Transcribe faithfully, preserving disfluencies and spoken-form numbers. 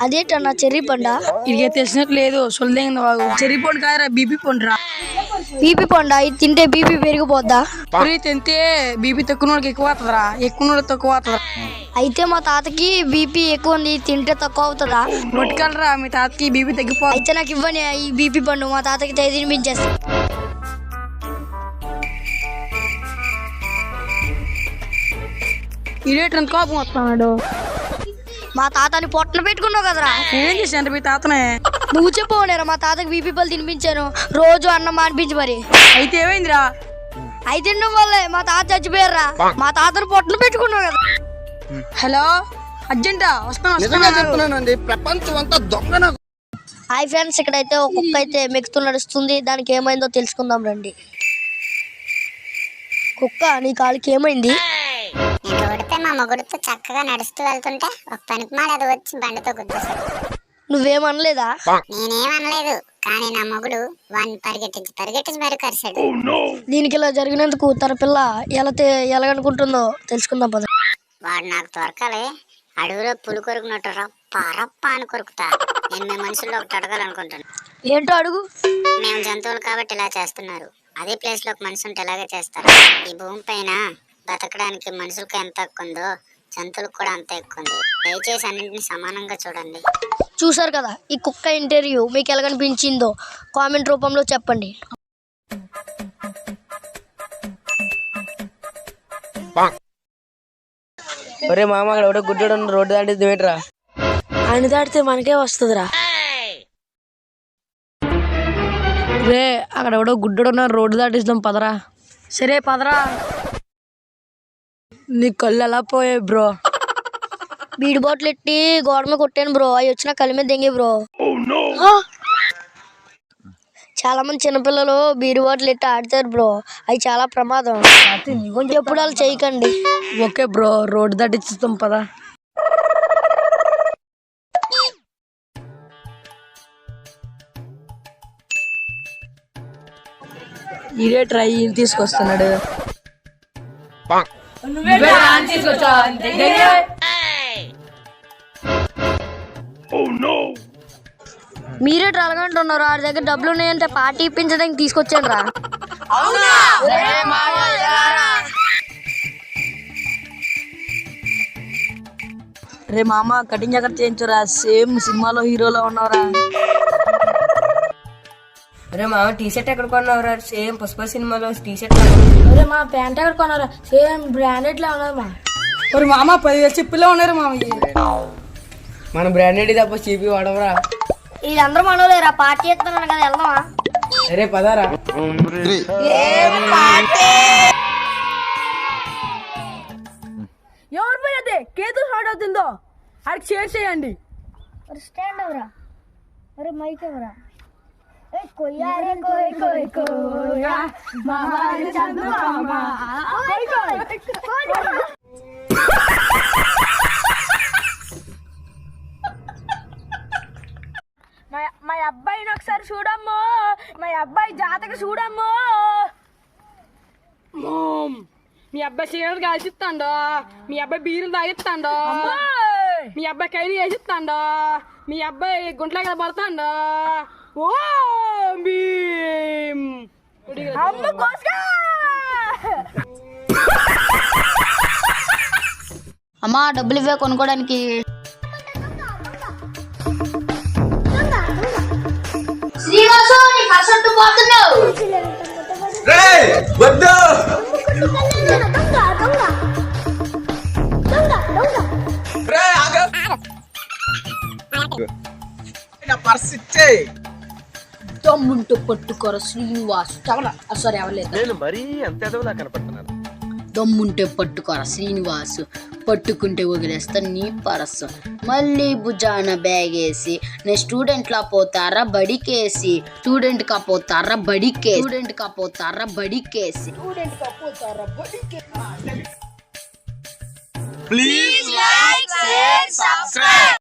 అదేటన్నా cherry Panda? ఇది తెలిసినట్టు లేదు. సొల్లేంది బాగు. చెర్రీ పండు కాదురా, బీపీ పండురా. బీపీ పండా? ఇది తింటే బీపీ పెరిగిపోద్దా? తింటే బీపీ తక్కువ ఎక్కువ అవుతుందిరా, ఎక్కువ తక్కువ అవుతుందా? అయితే మా తాతకి బీపీ ఎక్కువ ఉంది, తింటే తక్కువ అవుతుందా? పట్టుకెళ్ళరా, మీ తాతకి బీపీ తగ్గిపో. అయితే నాకు ఇవ్వని ఈ బీపీ పండు, మా తాతకి తినిపించేస్తా. ఇదేంటి కోపం వస్తున్నాడు? మా తాతని పొట్టన పెట్టుకున్నావు కదరా. ఏం చేశాను మీ తాతనే? నువ్వు చెప్పవనేరా మా తాతకి బీపీ పళ్ళు తినిపించాను, రోజు అన్నం మానిపించి మరి. అయితే ఏమైందిరా? అయితే తినడం వల్లే మా తాత చచ్చిపోయారా. మా తాతని పొట్టన పెట్టుకున్నావు కదా. హలో, అర్జెంటా వస్తాను. ప్రపంచం అంతా దొంగ. హాయ్ ఫ్రెండ్స్, ఇక్కడైతే ఒక కుక్క అయితే మెక్కుతూ నడుస్తుంది. దానికి ఏమైందో తెలుసుకుందాం రండి. కుక్క, నీ కాలికి ఏమైంది? నేను కొడితే మా మొగుడుతో చక్కగా నడుస్తూ వెళ్తుంటే ఒక పనికి మాడదు వచ్చి బండితో గుద్దేశాడు. నువ్వేమనలేదా? నేనేమనలేదు, కానీ నా మొగుడు వాడిని పరిగెట్టించి పరిగెట్టించి మరి కరిశాడు. దీనికి ఇలా జరిగినందుకు తన పిల్ల ఎలా ఎలాగనుకుంటుందో తెలుసుకుందాం పద. వాడు నాకు దొరకాలి. అడవిలో పులి కొరుకున్నట్టు రప్ప రప్ప అని కొరుకుతా. నేను మీ మనుషుల్లో ఒకటి అడగాలనుకుంటాను. ఏంటో అడుగు. మేము జంతువులు కాబట్టి ఇలా చేస్తున్నారు, అదే ప్లేస్ లో ఒక మనిషి ఉంటే ఇలాగే చేస్తారు. ఈ భూమి పైన బతకడానికి మనుషులకు ఎంత ఎక్కువ ఉందో జంతువులకు కూడా అంత ఎక్కువ ఉంది. దయచేసి అన్నింటినీ సమానంగా చూడండి. చూసారు కదా ఈ కుక్క ఇంటర్వ్యూ, మీకు ఎలాగనిపించిందో కామెంట్ రూపంలో చెప్పండి. ఒరే మామ, అక్కడ ఒకటి గుడ్డోడు రోడ్డు దాటిద్దాం ఏంట్రా? ఆయన దాటితే మనకే వస్తుందిరా. రే, అక్కడ ఎవడో గుడ్డోడు రోడ్డు దాటిస్తాం పదరా. సరే పదరా. నీ కళ్ళు ఎలా పోయాయి బ్రో? బీడి బాటిల్ ఎట్టి గోడ మీద కొట్టాను బ్రో, అవి వచ్చిన కళ్ళ మీద దెంగి బ్రో. చాలా మంది చిన్నపిల్లలు బీడి బాటిల్ ఎట్టి ఆడతారు బ్రో, అవి చాలా ప్రమాదం. ఎప్పుడు వాళ్ళు చేయకండి. ఓకే బ్రో, రోడ్డు దాటిస్తాం పదా. ఇదే ట్రై తీసుకొస్తున్నాడు. మీరే ట్రలగంటున్నారు, ఆడి దగ్గర డబ్బులు ఉన్నాయంటే పార్టీ ఇప్పించడానికి తీసుకొచ్చాను రా. రే మామ, కటింగ్ ఎక్కడ చేయించురా, సేమ్ సినిమాలో హీరోలో ఉన్నవరా. అరే మామ, టీ షర్ట్ ఎక్కడ కొన్నావురా? సేమ్ పుష్ప సినిమాలో టీ షర్ట్. అరే మా ప్యాంట్ ఎక్కడ కొన్నారా? సేమ్ బ్రాండెడ్ లా ఉన్నది మా. మరి మామ పదివేలు చెప్పుల్లో ఉన్నారు మామ. మన బ్రాండెడ్ తప్ప చీపి వాడవరా. వీళ్ళందరూ మనోలేరా, పార్టీ చేస్తున్నాను కదా, వెళ్దామా? అరే పదారా. ఎవరు పోయితే కేతు స్టార్ట్ అవుతుందో ఆడికి షేర్ చేయండి. స్టాండ్ ఎవరా? అరే మైక్ ఎవరా? కొయ్యారే కోయ్ కోయ్ కోయా మామారి చందమామ కోయ్ కోయ్. మా అబ్బాయిని ఒకసారి చూడమ్మో, మా అబ్బాయి జాతక చూడమ్మో. మీ అబ్బాయి చీరలు కాల్చిస్తాండో, మీ అబ్బాయి బీరులు తాగిస్తాండో, మీ అబ్బాయి కైలు వేసిస్తాండో, మీ అబ్బాయి గుంట్ల కదా పడతాండో. ఓ అమ్మ కోసుగా. అమ్మా, డబ్బులు ఇవ్వే కొనుక్కోడానికి. దమ్ముంటూ పట్టుకోర శ్రీనివాస్. సారీ అవ్వలేదు. దమ్ముంటే పట్టుకోర శ్రీనివాస్, పట్టుకుంటే వదిలేస్తా నీ పరస్సు. మళ్ళీ భుజాన బ్యాగ్ వేసి నేను స్టూడెంట్ లా పోతారా బడికేసి, స్టూడెంట్ కా పోతారా బడికేసి, స్టూడెంట్ కా పోతారా బడికేసి. Please like, share, subscribe.